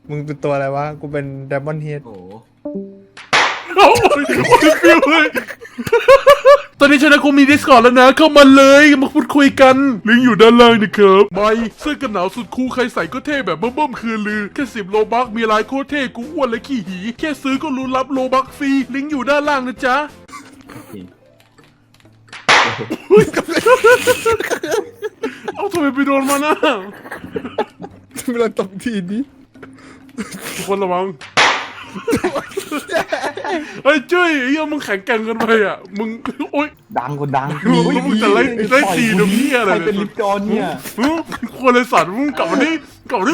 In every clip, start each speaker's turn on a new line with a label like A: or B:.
A: มึงเป็นตัวอะไรวะกูเป็นไดมอนด์เฮด
B: โอ้โห
C: โอ้ยฟิวเลยตอนนี้ชนะกูมี Discord แล้วนะเข้ามาเลยมาพูดคุยกันลิงก์อยู่ด้านล่างนะครับใบเสื้อกันหนาวสุดคูลใครใส่ก็เท่แบบเบิ่มๆคือลือแค่10 โลบักมีลายโคตรเท่กูอ้วนและขี้หีแค่ซื้อก็รู้รับโลบักฟรีลิงก์อยู่ด้านล่างนะจ๊ะเอาทำไมไปโดนมานะ
A: เวลาตบทีนี้
C: ทุกคนระวังเฮ้ยจุ้ยเฮียมึงแข็งแกร่งเกินไปอ่ะมึงโอ๊ย
B: ดังคนดัง
C: แล้วมึงจะไล่ตีน้ำเหี้ยอะไร
B: ใครเป็นลิฟต์จอนเนี่ย
C: ควรเลยสัตว์มึงกลับมาดิกลับมาดิ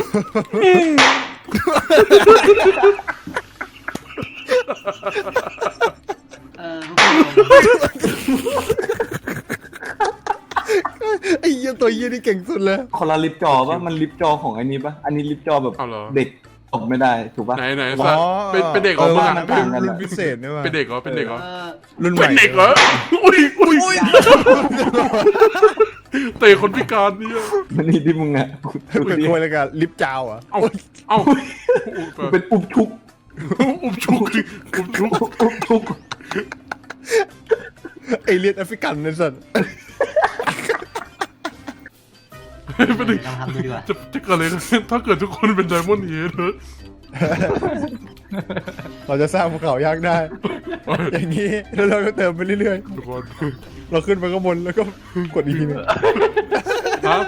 A: ไอ้เหี้ยตัวเหี้ยนี่เก่งสุดเลย
B: คนละลิฟต์จอปะมันลิฟต์จอของอันนี้ปะอันนี้ลิฟต์จอแบบ
C: เอาเหรอ
B: เด็กตบไม่ได้ถูกปะ
C: ไหนสัตว์เป็นเด็กเหรอมึง
B: ว่า
C: อ่ะ
B: มันต่างกัน
A: รุ่นพิเศษนี่วะ
C: เป็นเด็กเหรอเป็นเด็กเหรอ
A: รุ่นใหม่
C: เป็นเด็กเหรออุ้ยเตะคนพิการเนี่ย
B: มันนี่ที่มึงอ่ะ
A: เป็นตัวอะไรกันลิฟต์จาวอ่ะ
C: เอ้า
B: เป็นอุบชุก
C: อุบชุก
B: อุบชุก
A: เอเลียนแอฟริกันเนี่ยสัตว์
C: เป็นเด็ก
D: เราทำดูดีกว่า
C: จะเกิดอะไรขึ้นถ้าเกิดทุกคนเป็นไดมอนด์เฮด
A: เราจะสร้างภูเขายักษ์ได้ อย่างนี้แล้วเราก็เติมไปเรื่อย
C: ทุกคน
A: ๆเราขึ้นไปข้างบนแล้วก็กดอีกทีนึง
C: ฮะ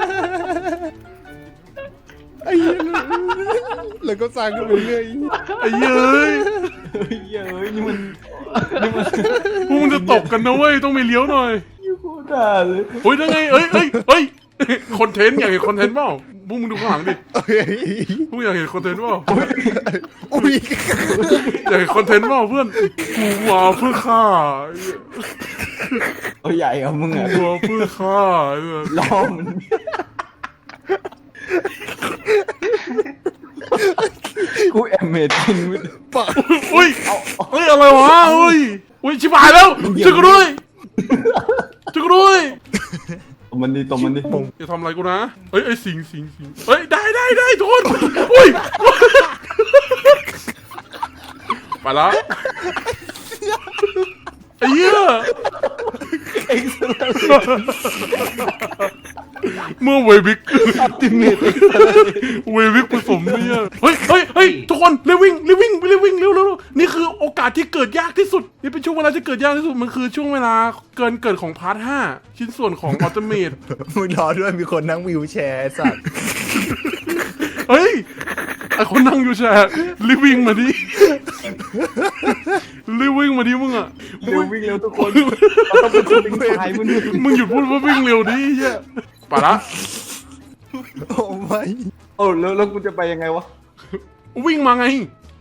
A: ไอ้เหี้ยแล้วก็สร้างขึ้นไปเรื่อย
C: ไอ้เย้ย
B: เฮ้ยนี่มัน
C: พวกมึงจะตกกันนะเว้ยต้องมีเลี้ยวหน่อย
B: โคตรด่าเลย
C: เฮ้ยได้ไงเอ้ยคอนเทนต์อยากเห็นคอนเทนต์เปล่าพวกมึงดูข้างหลังดิ
A: เฮ้ย
C: พวกอยากเห็นคอนเทนต์เปล่า
A: อุ้ย
C: อยากเห็นคอนเทนต์เปล่าเพื่อนกูมาเพื่อฆ่า
B: เอาใหญ่เอามึงอ่ะ
C: กูมาเพื่อฆ่า
B: ล้อมัน กูแอมเมจิน
A: ปะ
C: อุ้ยเฮ้ยอะไรวะอุ้ยชิบหายแล้วช่วยกูด้วยช่วยกูด้วย
B: ตบมันดีตบมันดี
C: อย่าทำอะไรกูนะเฮ้ยสิงเฮ้ยได้ทุกคนอุ้ยไปละไอ้เหี้ยเมื่อเวบิก
B: ติเมต
C: เววิกผสมเนี่ยเฮ้ยทุกคนเร็ววิ่งเร็วนี่คือโอกาสที่เกิดยากที่สุดนี่เป็นช่วงเวลาที่เกิดยากที่สุดมันคือช่วงเวลาเกิดของพาร์ท 5ชิ้นส่วนของอัลติเมท
A: มึงรอด้วยมีคนนั่งวิวแชร์ไอ้สัตว์
C: เฮ้ยไอคนนั่งอยู่แชร์รีบวิ่งมาดิมึงอ่ะ
B: เร็ววิ่งเร็วทุกคนเราต้องเป็นคนลิงตายมึง
C: หยุดพูดว่าวิ่งเร็วดิเฮียไปละ
A: โอ้ไม่
B: โอ้แล้วกูจะไปยังไงวะ
C: วิ่งมาไง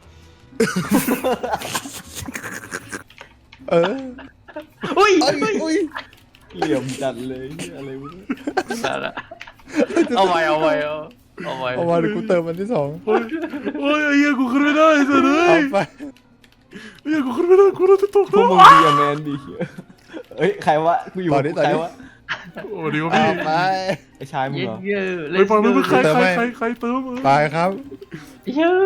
A: เออ
D: อุ้ย
A: อุ้ย
B: เหลี่ยมจัดเลยอะไรวะ
D: เอาไว้
A: เอามาเดี๋ยวกูเติมมันที่สอง
C: โอ้ยไอ้เหี้ยกูขึ้นไม่ได้สิเล
A: เอา
C: ย
A: ไป
C: เหี้ยกูขึ้นไม่ได้กูจะตก
B: พว
C: แล้
B: ก
C: ว
B: มึงดีอะแมนดีเอ้ยใครวะกูอยู่ใครวะ
C: โอ้ดีวะ
A: เอา
C: พี่
A: ไป
B: ไอชายมึงเหรอ
D: เยอะ
C: ไปฟังดูใครเติม
A: ไปครับ
D: เยอะ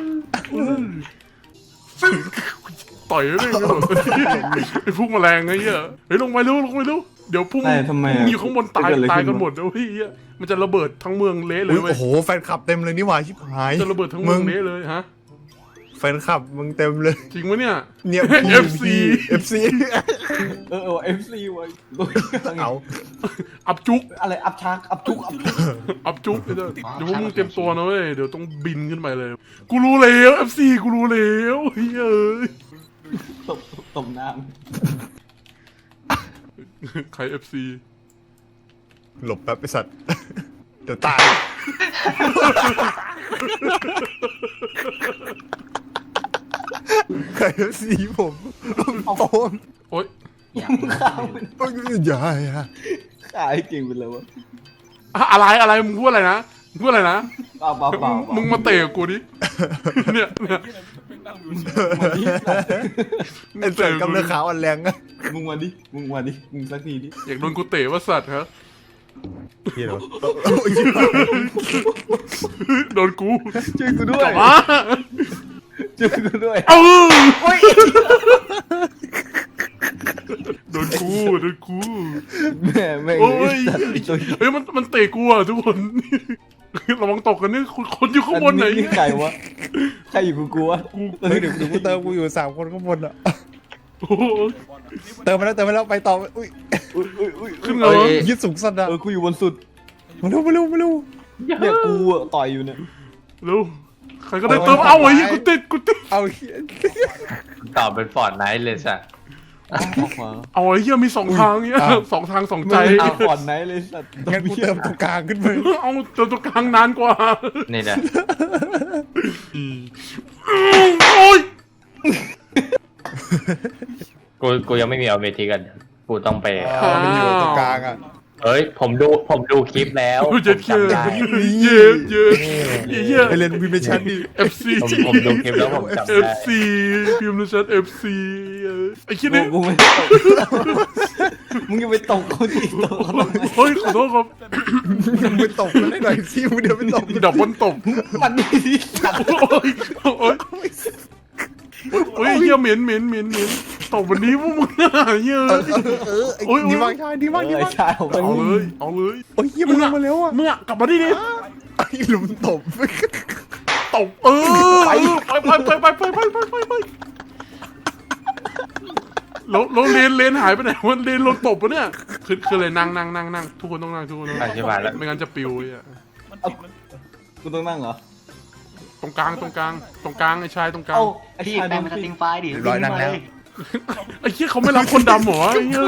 C: ต่อยไม่ได้ไอ้พวกแมลงไอ้เหี้ยเฮ้ยลงไปเร็วเดี๋ยวพุ่งอยู่ข้างบนตายกันหมดแล้วพี่มันจะระเบิดทั้งเมืองเละเลย
A: อุ้ย
C: เว้ย
A: โอ้โหแฟนคลับเต็มเลยนี่หว่าชิบหาย
C: จะระเบิดทั้งเมืองเละเลยฮะ
A: แฟนคลับมึงเต็มเลย
C: จริงวะเนี่ย
A: เนี่ย
C: FC
A: FC
B: FC ไว้
A: เอา
C: อับจุก
B: อะไรอัพชักอัพจุก
C: อับจุกเดี๋ยวพวกมึงเตรียมตัวนะเว้ยเดี๋ยวต้องบินขึ้นไปเลยกูรู้แล้ว FC กูรู้แล้วเฮ้ย
B: ตบน้
C: ใคร FC
A: หลบแป๊บไอสัตว์ เดี๋ยวตายใคร FC ผมโอ้ย
C: โอ๊ย
D: อย่า
B: ข้าว
A: อย่าฮะ
B: ขายเก่งไปเลยวะ
C: อะไรมึงพูดอะไรนะเปล่ามึงมาเตะกูดิเนี่ย
A: ไอ้เสือกำเนิดขาวอ่อนแรงอะ
B: มึงมาดิมึงสักทีดิ
C: อยากโดนกูเตะว่าสัตว์ฮะ
A: เฮียเหรอ
C: โดนกู
B: ช่วยกูด้ว
C: กลั
B: ย
C: บมา
B: ช่วยกูด้วย
C: เออโดนกูโดนกู
B: แม่แม่ง
C: โอ้ย
B: ตัว
C: เฮ้ยมันเตะกูอ่ะทุกคนระวังตกกันนี่คนอยู่ข้างบนไหน
B: นี่ใครวะใครอยู่กูกลัว
A: เฮ้ยเดี๋ยวกูเติมกูอยู่3 คนข้างบนอ่ะ
C: โอ้ย
A: เติมมาแล้วไปต่ออุ้ย
B: อุ้ย
C: ขึ้นเหรอ
A: ยึดสูงสันอ่ะ
B: กูอยู่บนสุด
A: มาเร็ว
B: เนี่ยกูอะต่อยอยู่เนี่ย
C: เร็วใครก็ได้เติมเอาไอ้ยี่กูติด
A: เอาเฮีย
D: ตอบเป็นฟอร์ดไนท์เลยสัตว์
B: ออกมา
C: เอาไอ้เหี้ยมี2 ทางเงี้ย2 ทาง 2 ใจ
B: เอาก่อนไหนเลยสัตว์
A: งั้นกูเติมตรงกลางขึ้นไป
C: เอาเติมตรงกลางนานกว่า
D: นี่แหละ
C: โอ้ย
D: กูยังไม่มีเอาเวทีกัน กูต้องไป
A: มันอยู่ตรงกลางอ่ะ
D: เฮ้ยผมดูคลิปแล้ว
C: กู
D: ผ
C: จะ
D: ม
C: เชื่อ
D: จำได้
C: เย้เย้เย้
A: ไปเล่นพิมพ์ในชั้นดิ
C: FC
D: ผมดูคลิปแล้วผมจำได้
C: FC พิมพ์ในแชท FC ไอ้คิด
B: กู
C: นี่
B: กูไม่ตกมึงจะไปตกเขาดิตกเขาทำไม
C: เฮ้ยขอโทษครับ
A: มึงไปตบมันได้หน่อยสิมึงเดี๋ยวไปตบ
C: ดับบนตบ
B: มันนี่ดิสัตว์
C: โอ้ยโอ้ยโอ้ยเหี้ยเหม็นตบวันนี้พวกมึงน่ะเหี้ย โอ้ย
A: ดีมากชายดีมากดี
B: ไอ้
A: มาก
B: ชายของมัน
C: เอาเลยเอาเลย
A: โอ้ยเฮียมันลงมาแล้วอ่ะ
C: เมื่อกลับมาดิดิ
A: ไอ้หลุมตบ
C: ตบไปไปแล้วเลนหายไปไหนวันเลนลงตบปะเนี่ยคือเลยนั่งทุกคนต้องนั่งทุกคนต้องนั่ง
D: อธิบายแล้ว
C: ไม่งั้นจะปิวอ่ะ
B: กูต้องนั่งเหรอ
C: ตรงกลางไอ้ชายตรงกลาง
B: เอ้าไอ้
D: พี่
B: ชาย
D: แปล
B: โด
D: ง
B: น
D: เป็นส
B: ปิ
D: ติ
B: ด
D: งไฟล์ดิ
A: ร้อยนั่งแล้ว
C: ไอ้เหี้ยเขาไม่รับคนดำเหรอไอ้เหี้ย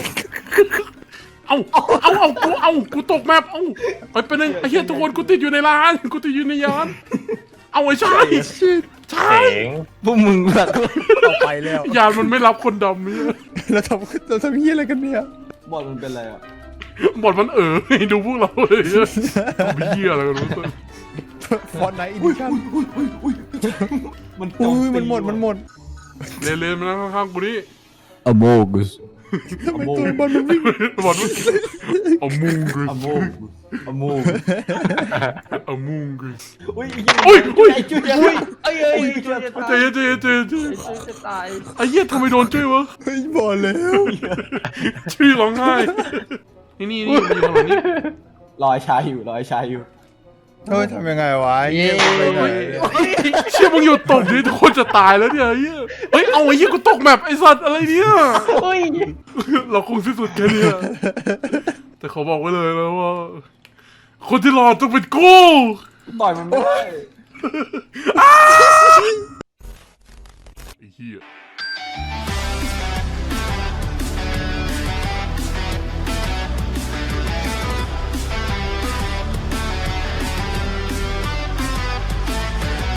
C: กูตกแมพไปเป็นไงไอ้เหี้ยทุกคนกูติดอยู่ในร้านกูติดอยู่ในยานเอาไอ้ชาย
D: เจ๋ง
B: พวกมึงแบบ
A: ต่อไปแล้ว
C: ยานมันไม่รับคนดำเนี่ย
A: เราทำเฮียอะไรกันเนี่ย
B: บอลมันเป็นอะไรอ่ะ
C: บทมันให้ดูพวกเราเลยเนี่ยมีเหี้ยอะไรกันรู้ตัว
A: ฟอนไนท์อินดิชั่น
B: มัน
A: อุ้ยมันหมด
C: เลนมานั่งข้างๆกูนี่
B: อโมกุส
A: ทำไมตัวบอลมันวิ่ง
C: บอลเอามุงกึ
B: อโมกุสอโม
C: เอามุงกึ
B: อุ้ย
C: อุ้ย
B: ไอ้จุ๊ย
D: เอ้ยช่วยจะ
C: ใจ
D: ตาย
C: เย็น
D: จะตาย
C: ไอ้เหี้ยทำไมโดนจุ้ยวะ
A: เฮ้ยบอกแล้ว
C: ชื่อร้องไห้นี่มันอยู่ตรงนี้
B: รอยชายอยู่รอยชายอยู่
A: เฮ้ยทำยังไงวะเฮียไปไหน
C: เชื่อมึงอยู่ตบดิทุกคนจะตายแล้วเนี่ยเหี้ยเฮ้ยเอาไอ้เหี้ยกูตกแมปไอ้สัตว์อะไรเนี่ย
D: เฮ้ย
C: เราคงสิ้นสุดแค่นี้แต่เขาบอกไว้เลยนะว่า คนที่รอดต้องเป็นกู
B: ต่อยมันไม่ได้
C: ไอ้เหี้ย